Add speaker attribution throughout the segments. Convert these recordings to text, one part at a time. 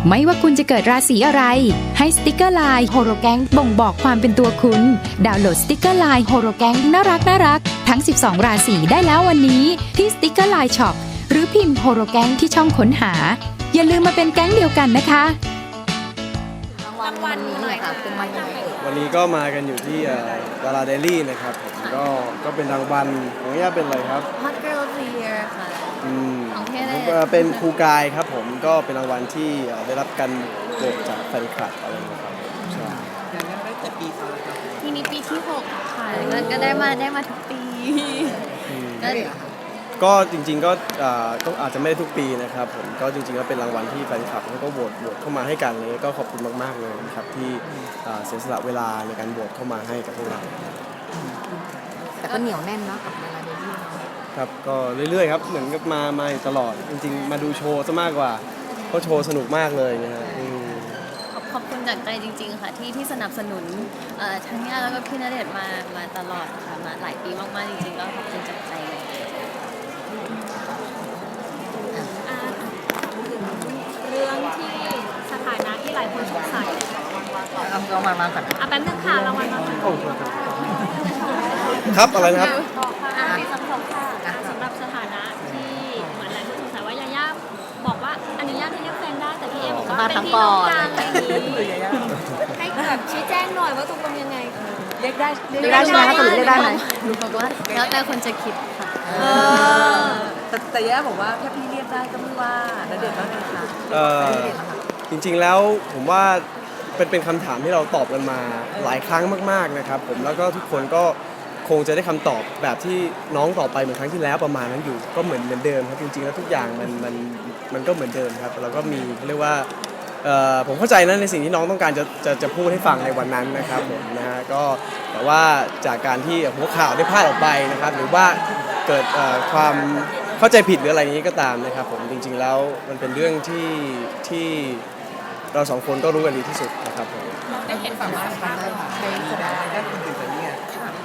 Speaker 1: ไม่ว่าคุณจะเกิดราศีอะไรให้สติกเกอร์ไลน์โฮโรแกงบ่งบอกความเป็นตัวคุณดาวน์โหลดสติกเกอร์ไลน์โฮโรแกงน่ารักทั้ง12ราศีได้แล้ววันนี้ที่สติกเกอร์ไลน์ช็อปหรือพิมพ์โฮโรแกงที่ช่องค้นหาอย่าลืมมาเป็นแก๊งเดียวกันนะคะ
Speaker 2: รางวัลหน่อยค่ะเป็นวันไหน
Speaker 3: วันนี้ก็มากันอยู่ที่ดาราเดลี่นะครับผมก็เป็นรางวัลของย่าเป็นอะไรครับ
Speaker 2: Hot Girl of the Year ค่ะของพี่ได้
Speaker 3: เป็นครูกายครับผมก็เป็นรางวัลที่ได้รับการโหวตจากแฟนคลับอะไรนะครับใช่
Speaker 2: ได้แต่ปี2ครับทีนี้ปีที่6ค่ะก็ได้มาทุกปี
Speaker 3: ก็จริงๆก็อาจจะไม่ได้ทุกปีนะครับผมก็จริงๆก็เป็นรางวัลที่แฟนคลับเขาก็โหวตเข้ามาให้กันเลยก็ขอบคุณมากๆเลยนะครับที่เสียสละเวลาในการโหวตเข้ามาให้กับพวกเรา
Speaker 2: แต่ก็เหนียวแน่นเนาะกับเวลาเดลี่
Speaker 3: ครับก็เรื่อยๆครับเหมือนกับมาตลอดจริงๆมาดูโชว์ซะมากกว่าเพราะโชว์สนุกมากเลยนะฮะ
Speaker 2: ขอบคุณจากใจจริงๆค่ะที่สนับสนุนทั้งย่าแล้วก็พี่ณเดชน์มาตลอดค่ะมาหลายปีมากๆจริงๆก็ขอบคุณจากใจเลย
Speaker 4: เรื่องที่สถานะที่หลายคนสงสัย
Speaker 3: เรามาก่อน
Speaker 4: แป๊บนึงค่ะรางวัลมา
Speaker 3: ครับอะไรนะครับ
Speaker 4: มีคำตอบค่ะสำหรับสถานะที่เหมือนหลายคนสงสัยว่ายาย่าบอกว่าอนุญาตให้เรียกแฟนได้แต่พี่เอบอกว่าเป็นพี่น้องกันอะไรอย่างนี้ให้แบบชี้แจงหน่อยว่าตกลงยังไง
Speaker 2: เรียกได้ใช่ไหมคะสรุปเรียกได้ไหมบอกว่าแล้วแต่คนจะคิดค่ะ
Speaker 5: แต่ย่าบอกว่าถ้าพี่เรียกได้ก็ไม่ว่าแล้วเด็กก็ไงคะ
Speaker 3: จริงๆแล้วผมว่าเป็นคำถามที่เราตอบกันมาหลายครั้งมากๆนะครับผมแล้วก็ทุกคนก็คงจะได้คำตอบแบบที่น้องตอบไปเหมือนครั้งที่แล้วประมาณนั้นอยู่ก็เหมือนเดิมครับจริงๆแล้วทุกอย่างมันก็เหมือนเดิมครับเราก็มีเรียกว่าผมเข้าใจนะในสิ่งที่น้องต้องการจะพูดให้ฟังในวันนั้นนะครับผมนะฮะก็แต่ว่าจากการที่หัวข่าวได้พลาดออกไปนะครับหรือว่าเกิดความเข้าใจผิดหรืออะไรอย่างนี้ก็ตามนะครับผมจริงๆแล้วมันเป็นเรื่องที่เราสองคนก็รู้กันดีที่สุดนะครับผม
Speaker 5: ได้เห็นสามารถทำได้ได้คุณตื่นแต่เนี่ย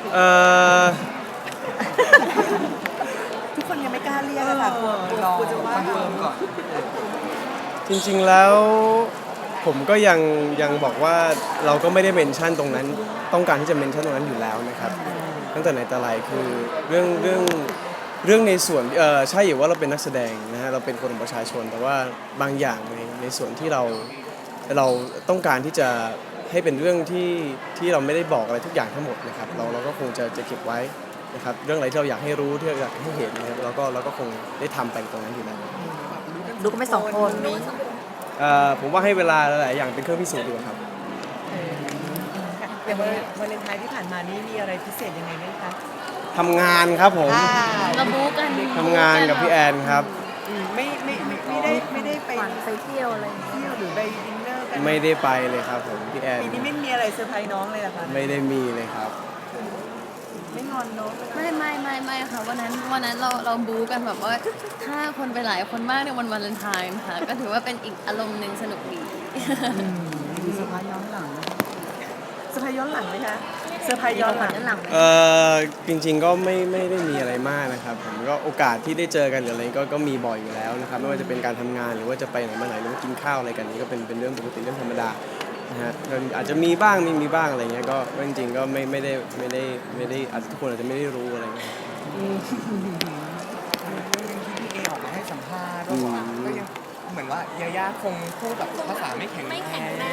Speaker 5: ทุกคนยังไม่กล้าเรียกค่ะกลัวจะว่าเพิ่มก่อน
Speaker 3: จริงๆแล้วผมก็ยังบอกว่าเราก็ไม่ได้เมนชั่นตรงนั้นต้องการที่จะเมนชั่นตรงนั้นอยู่แล้วนะครับตั้งแต่ไหนแต่ไรคือเรื่องในส่วนใช่อยู่ว่าเราเป็นนักแสดงนะฮะเราเป็นคนของประชาชนแต่ว่าบางอย่างในส่วนที่เราต้องการที่จะให้เป็นเรื่องที่เราไม่ได้บอกอะไรทุกอย่างทั้งหมดนะครับเราก็คงจะเก็บไว้นะครับเรื่องอะไรที่เราอยากให้รู้ที่เราอยากให้เห็นนะครับเราก็คงได้ทำไปตรงนั้นอยู่แล้ว
Speaker 2: ดูก็ไม่2คน
Speaker 3: ผมว่าให้เวลาหลายอย่างเป็นเครื่องพิสูจน์ดีกว่าครับ
Speaker 5: อย่างวันเลนไทน์ที่ผ่านมานี่มีอะไรพิเศษยังไงไหมคะ
Speaker 3: ทำงานครับผม
Speaker 2: ระบุกัน
Speaker 3: ทำงานกับพี่แอนครับ
Speaker 5: ไม่ได้
Speaker 2: ไปเที่ยวอะไร
Speaker 5: เที่ยวหรือไปดินเนอร์กัน
Speaker 3: ไม่ได้ไปเลยครับผมพี่แอน
Speaker 5: ปีนี้ไม่มีอะไรเซอร์ไพรส์น้องเลยเหรอคะ
Speaker 3: ไม่ได้มีเลยครับ
Speaker 5: ไม่งอนน้อง
Speaker 2: ไม่ค่ะวันนั้นเราบู๊กันแบบว่าถ้าคนไปหลายคนมากในวันวาเลนไทน์ค่ะก็ถือว่าเป็นอีกอารมณ์หนึ่งสนุกดี
Speaker 5: มีเซอร์ไพรส์ย้อนหลังเซอร์ไพรส์ย้อนหลังไหมคะเซอร์ไพรส์ย้อนหลัง
Speaker 3: จริงๆก็ไม่ได้มีอะไรมากนะครับผมก็โอกาสที่ได้เจอกันหรืออะไรก็มีบ่อยอยู่แล้วนะครับไม่ว่าจะเป็นการทำงานหรือว่าจะไปไหนมาไหนหรือว่ากินข้าวอะไรกันนี่ก็เป็นเรื่องปกติเรื่องธรรมดานะฮะอาจจะมีบ้างไม่มีบ้างอะไรเงี้ยก็จริงๆก็ไม่ได้อาจจะทุกคนอาจจะไม่ได้รู้อะไรเงี้ย
Speaker 5: ที่พี่เอออกมาให้สัมภาษณ์ว่าก็ยังเหมือนว่ายาย่าคงพูดแบบภาษาไม่แข็งแรง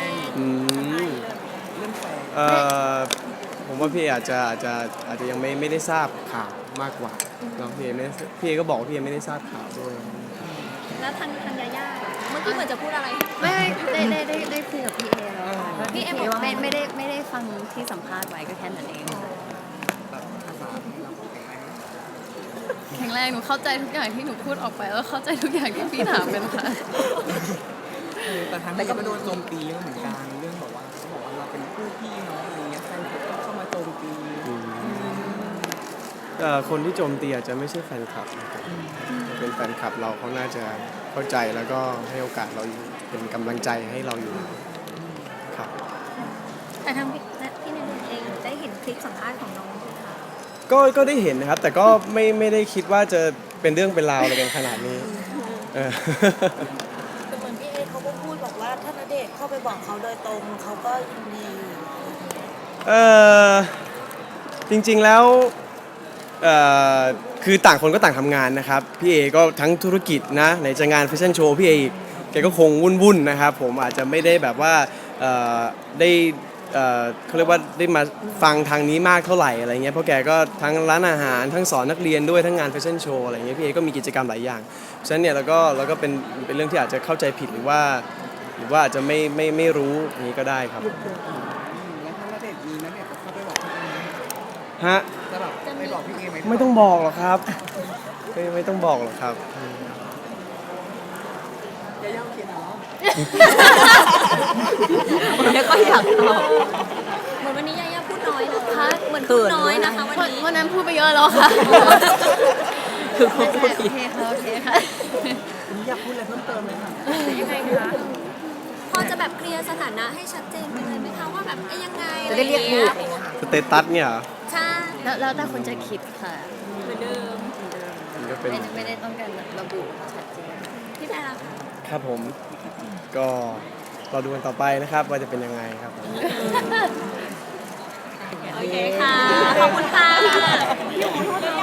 Speaker 5: เรื่องแฟน
Speaker 3: ผมว่าพี่อาจจะยังไม่ได้ทราบข่าวมากกว่าเนาะพี่เอก็บอกว่าพี่เอไม่ได้ทราบข่าวด้วย
Speaker 4: แล้วทางยาย่าเมื่อกี้เหมือนจะพูดอะไร
Speaker 2: ไม่ได้คุยกับพี่เอแล้วพี่เอบอกว่าไม่ได้ฟังที่สัมภาษณ์ไว้ก็แค่นั้นเองแข็งแรงหนูเข้าใจทุกอย่างที่หนูพูดออกไปแล้วเข้าใจทุกอย่างที่พี่ถามกันค่ะ
Speaker 5: แต่ทางนี้ก็โดนโจมตีเยอะเหมือนกันเรื่องบอกว่าเราเป็นคู่พี่น้องอะไรเงี้ยใครก็เข้ามาโจมตี
Speaker 3: คนที่โจมตีอาจจะไม่ใช่แฟนคลับนะครับเป็นแฟนคลับเราเขาน่าจะเข้าใจแล้วก็ให้โอกาสเราอยู่เป็นกำลังใจให้เราอยู่ครับ
Speaker 4: แต่ทางพี่ณเดชน์เองได้เห็นคลิปสัมภาษณ์ของน้องไหมคะ
Speaker 3: ก็ได้เห็นนะครับแต่ก็ไม่ได้คิดว่าจะเป็นเรื่องเป็นราวอะไรกันขนาดนี้
Speaker 4: แต่เหมือนพี่เอเขาก็พูดบอกว่า
Speaker 6: ถ้าณเดชน์เข้าไปบอกเขาโดยตรงเขาก็ยินดี
Speaker 3: เออจริงๆแล้วเอ่อคือต่างคนก็ต่างทำงานนะครับพี่เอก็ทั้งธุรกิจนะไหนจะงานแฟชั่นโชว์พี่เออีกแกก็คงวุ่นๆนะครับผมอาจจะไม่ได้แบบว่าได้เขาเรียกว่าได้มาฟังทางนี้มากเท่าไหร่อะไรเงี้ยเพราะแกก็ทั้งร้านอาหารทั้งสอนนักเรียนด้วยทั้งงานแฟชั่นโชว์อะไรเงี้ยพี่เอก็มีกิจกรรมหลายอย่างฉะนั้นเนี่ยเราก็เป็นเรื่องที่อาจจะเข้าใจผิดหรือว่าอาจจะไม่รู้อย่างนี้ก็ได้ครับ
Speaker 5: แล้วถ้าณเดชน์มีณเดชน์จะเข้าไปบอกพี่เอไหม
Speaker 3: ฮะ
Speaker 5: จะแบบไปบอกพี่เอไหม
Speaker 3: ไม่ต้องบอกหรอกครับไม่ต้องบอกหรอกครับ
Speaker 5: ยาย่าโอเคเนาะ
Speaker 6: แล้วก็อยากตอบ
Speaker 4: เหมือนวันนี้ยายาพูดน้อยนะคะเหมือนพูดน้อยนะคะวันนี้
Speaker 2: วันนั้นพูดไปเยอะแล้วค่ะ
Speaker 6: คือเขาพูด
Speaker 2: โอเคค่ะโอเคค่ะ
Speaker 5: อยากพูดอะไรเพิ่มเติมไหมคะ
Speaker 4: ยังไงคะพอจะแบบเคลียร์สถานะให้ชัดเจนไปเลยไหมคะว่าแบบยังไง
Speaker 6: จะได้เรียกถูก
Speaker 3: สเตตัสเนี่ยเหรอ
Speaker 4: ใช่
Speaker 2: แล้วแต่คนจะคิดค่ะ
Speaker 4: เหมือนเดิม
Speaker 3: มันก็เป็น
Speaker 2: ไม่ได้ต้องการระบุชัดเจน
Speaker 4: พี่แพรล่ะคะ
Speaker 3: ครับผมก็รอดูกันต่อไปนะครับว่าจะเป็นยังไงครับผม
Speaker 4: โอเคค่ะ ขอบคุณค่ะ